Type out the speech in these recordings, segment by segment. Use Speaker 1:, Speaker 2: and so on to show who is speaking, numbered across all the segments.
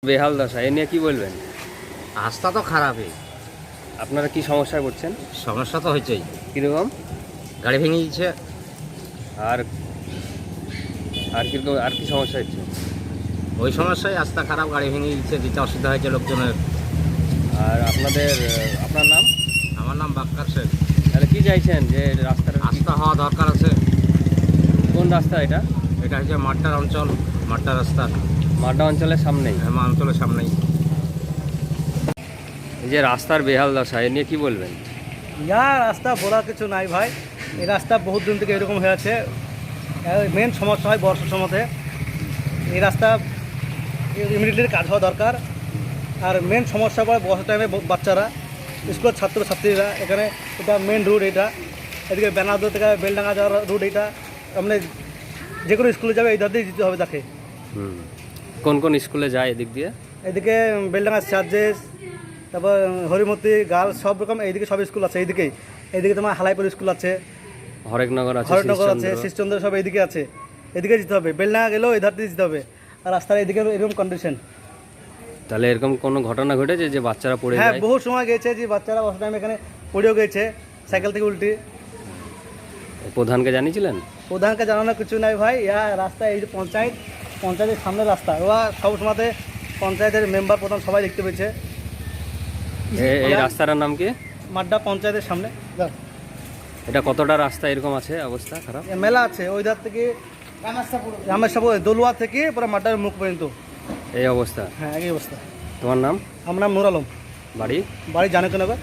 Speaker 1: বেহাল দশা এ নিয়ে কি বলবেন?
Speaker 2: রাস্তা তো খারাপই।
Speaker 1: আপনারা কি সমস্যায় পড়ছেন?
Speaker 2: সমস্যা তো হয়েছেই।
Speaker 1: কীরকম?
Speaker 2: গাড়ি ভেঙে দিচ্ছে।
Speaker 1: আর আর কীরকম আর কি সমস্যা হচ্ছে?
Speaker 2: ওই সমস্যায় রাস্তা খারাপ, গাড়ি ভেঙে দিচ্ছে, দিতে অসুবিধা হয়েছে লোকজনের।
Speaker 1: আর আপনার নাম?
Speaker 2: আমার নাম বাক্কার শেখ।
Speaker 1: তাহলে কি চাইছেন যে রাস্তাটা
Speaker 2: রাস্তা হওয়া দরকার আছে।
Speaker 1: কোন রাস্তা এটা?
Speaker 2: এটা হচ্ছে মাঠটার অঞ্চল, মাঠটা রাস্তা
Speaker 1: মাড্ডা অঞ্চলের সামনেই।
Speaker 2: আমার অঞ্চলের সামনেই।
Speaker 1: এই যে রাস্তার বেহাল দশা এ নিয়ে কি বলবেন?
Speaker 3: ইয়া রাস্তা বলার কিছু নাই ভাই। এই রাস্তা বহুত দিন থেকে এরকম হয়ে আছে। মেন সমস্যা হয় বর্ষার সময়তে। এই রাস্তা ইমিডিয়েটলি কাজ হওয়া দরকার। আর মেন সমস্যা পড়ে বর্ষার টাইমে বাচ্চারা, স্কুলের ছাত্রছাত্রীরা। এখানে এটা মেন রুট, এটা এদিকে বেনাদর থেকে বেলডাঙ্গা যাওয়ার রুট। এটা আপনি যে কোনো স্কুলে যাবে এই ধার দিয়ে যেতে হবে তাকে।
Speaker 1: কোন কোন স্কুলে যায় এদিক দিয়ে?
Speaker 3: এদিকে বেলডাঙ্গা চার্জেস, তারপর হরিমতি গার্লস, সব রকম এইদিকে সব স্কুল আছে। এইদিকে তোমার হালাইপুর স্কুল আছে,
Speaker 1: হরেকনগর আছে,
Speaker 3: হরেকনগর আছে, শিশচন্দ্র, সব এইদিকে আছে। এদিকে যেতে হবে, বেলডাঙ্গা গেলেও এই ধার দিয়ে যেতে হবে। আর রাস্তার এদিকে এরকম কন্ডিশন।
Speaker 1: তাহলে এরকম কোনো ঘটনা ঘটেছে যে বাচ্চারা পড়ে
Speaker 3: হ্যাঁ,
Speaker 1: যায়?
Speaker 3: বহু সময় গেছে যে বাচ্চারা বসে টাইম এখানে পড়েও গেছে সাইকেল থেকে উল্টি।
Speaker 1: প্রধানকে জানিয়েছিলেন?
Speaker 3: প্রধানকে জানানোর কিছু নাই ভাই। রাস্তা এই যে পঞ্চায়েতের সামনে রাস্তা, ওরা সব সময়তে পঞ্চায়েতের মেম্বার প্রধান সবাই দেখতে পেয়েছে।
Speaker 1: এই রাস্তাটার নাম কি?
Speaker 3: মাড্ডা পঞ্চায়েতের সামনে।
Speaker 1: এটা কতটা রাস্তা এরকম আছে অবস্থা খারাপ?
Speaker 3: মেলা আছে ওই ধার থেকে রামেশ্বর দলুয়া থেকে পুরো মাড্ডার মুখ পর্যন্ত
Speaker 1: এই অবস্থা?
Speaker 3: হ্যাঁ, এই অবস্থা।
Speaker 1: তোমার নাম?
Speaker 3: আমার নাম নুর আলম। বাড়ি জানকনগর।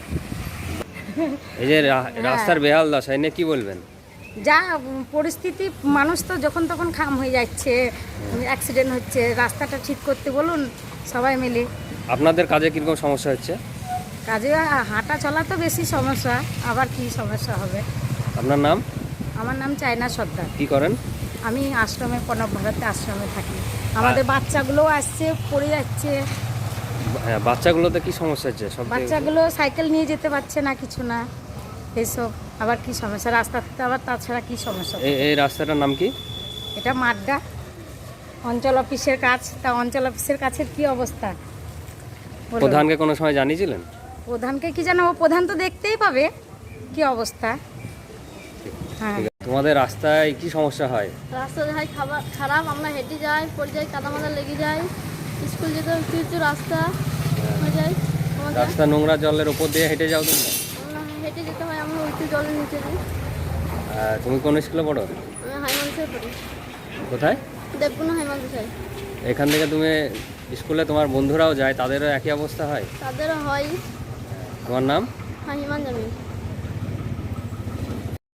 Speaker 1: এই যে রাস্তার বেহাল দশা এ নিয়ে কি বলবেন?
Speaker 4: যা পরিস্থিতি, মানুষ তো যখন তখন খাম হয়ে যাচ্ছে, অ্যাক্সিডেন্ট হচ্ছে। রাস্তাটা ঠিক করতে বলুন সবাই মিলে।
Speaker 1: আপনাদের কাজে কীরকম সমস্যা হচ্ছে?
Speaker 4: কাজে হাঁটা চলা তো বেশি সমস্যা, আবার কি সমস্যা হবে।
Speaker 1: আপনার নাম?
Speaker 4: আমার নাম চায়না সর্দার।
Speaker 1: কি করেন?
Speaker 4: আমি আশ্রমে, প্রণব ভারতে আশ্রমে থাকি। আমাদের বাচ্চাগুলো আসছে, পড়ে যাচ্ছে।
Speaker 1: হ্যাঁ, বাচ্চাগুলোতে কি সমস্যা হচ্ছে? সব
Speaker 4: বাচ্চাগুলো সাইকেল নিয়ে যেতে পারছে না, কিছু না এইসব। আবার কি সমস্যা রাস্তাতে, আবার তাছাড়া কি সমস্যা?
Speaker 1: এই রাস্তাটার নাম কি?
Speaker 4: এটা মাড্ডা অঞ্চল অফিসের কাছ। তা অঞ্চল অফিসের কাছের কি অবস্থা? বলুন।
Speaker 1: প্রধানকে কোনো সময় জানিয়েছিলেন?
Speaker 4: প্রধানকে কি জানাবো, প্রধান তো দেখতেই পাবে কি অবস্থা। হ্যাঁ,
Speaker 1: ঠিক আছে। তোমাদের রাস্তায় কি সমস্যা হয়?
Speaker 5: রাস্তা হয় খারাপ, আমরা হেঁটে যাই, পড়ে যাই, কাদা মাদা লেগে যায়। স্কুল যেতে একটু একটু রাস্তা হয়ে যায় আমাদের।
Speaker 1: রাস্তা নোংরা জলের উপর দিয়ে হেঁটে যাও তোমরা?
Speaker 5: আমরা হেঁটে যেতে হয়, আমরা একটু জলের নিচে দিই।
Speaker 1: তুমি কোন স্কুলে পড়ো?
Speaker 5: আমি হাইমানসে পড়ি,
Speaker 1: কোথায়?
Speaker 5: দেবগুনা হাইমানসাই।
Speaker 1: এখান থেকে তুমি স্কুলে তোমার বন্ধুরাও যায়, তাদেরও একই অবস্থা হয়?
Speaker 5: তাদেরও হয়।
Speaker 1: তোমার নাম?
Speaker 5: হাইমান জামিন।